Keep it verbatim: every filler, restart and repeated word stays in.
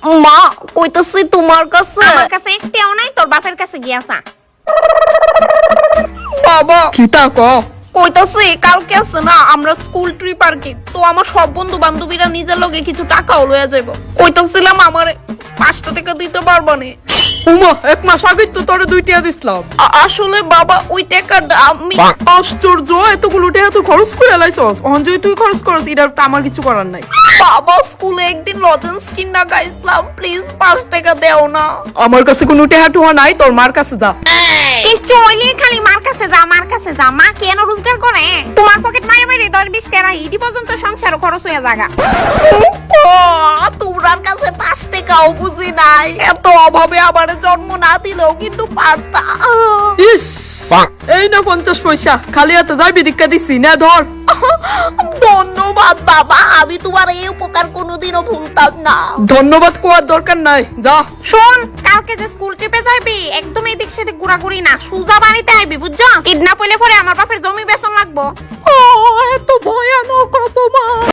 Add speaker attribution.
Speaker 1: মা কইতাছি তোমার কাছে।
Speaker 2: আমার কাছে একটাও নাই, তোর বাপের কাছে গিয়াছা।
Speaker 1: বাবা
Speaker 3: কি তা ক
Speaker 1: কইতাছি কালকে আছে না আমরা স্কুল ট্রিপ আর কি, তো আমার সব বন্ধু বান্ধবীরা নিজের লগে কিছু টাকাও লইয়া যাইব। কইতাছিলাম আমারে পাঁচটা টাকা দিতে পারবা নি?
Speaker 3: উমা এক মাস আগে তো তোরে দুইটা দিছিলাম।
Speaker 1: আ- আসলে বাবা ওই টাকাটা আমি
Speaker 3: আশ্চর্য, এতগুলো টাকা তুই খরচ করে লাইছস। অঞ্জয় তুই খরচ করস, এটা তো আমার কিছু করার নাই।
Speaker 1: বাবা স্কুলে একদিন লজেন্স কিনা গাইছিলাম, প্লিজ পাঁচ টাকা দেও না।
Speaker 3: আমার কাছে কোনো টাকা টুহা নাই, তোর মার কাছে যা।
Speaker 2: কিচ্ছু হইলে খালি মার কাছে যা, মার কাছে যা। মা কেন রোজগার করে? তোমার পকেট মারে মারে দশ বিশ টাকা ইডি পর্যন্ত সংসার খরচ হয়ে জায়গা।
Speaker 1: তোমরার কাছে পাঁচ টাকাও বুঝি নাই, এত অভাবে আমার জন্ম না দিলেও কিন্তু পারতা।
Speaker 3: ইস এই না পঞ্চাশ পয়সা, খালি হাতে যাবি দীক্ষা দিছি না, ধর।
Speaker 1: ধন্যবাদ বাবা, আমি তোমার এই উপকার কোনোদিনও ভুলতাম না।
Speaker 3: ধন্যবাদ কোয়ার দরকার নাই, যা।
Speaker 2: শোন, কালকে যে স্কুল ট্রিপে যাবি একদম এদিক সেদিক ঘোরাঘুরি না, সুজা বাড়িতে আইবি বুঝছ? কিডন্যাপ হইলে পরে আমার বাপের জমি বেচন লাগবো।
Speaker 3: এত ভয়ানক অপমান।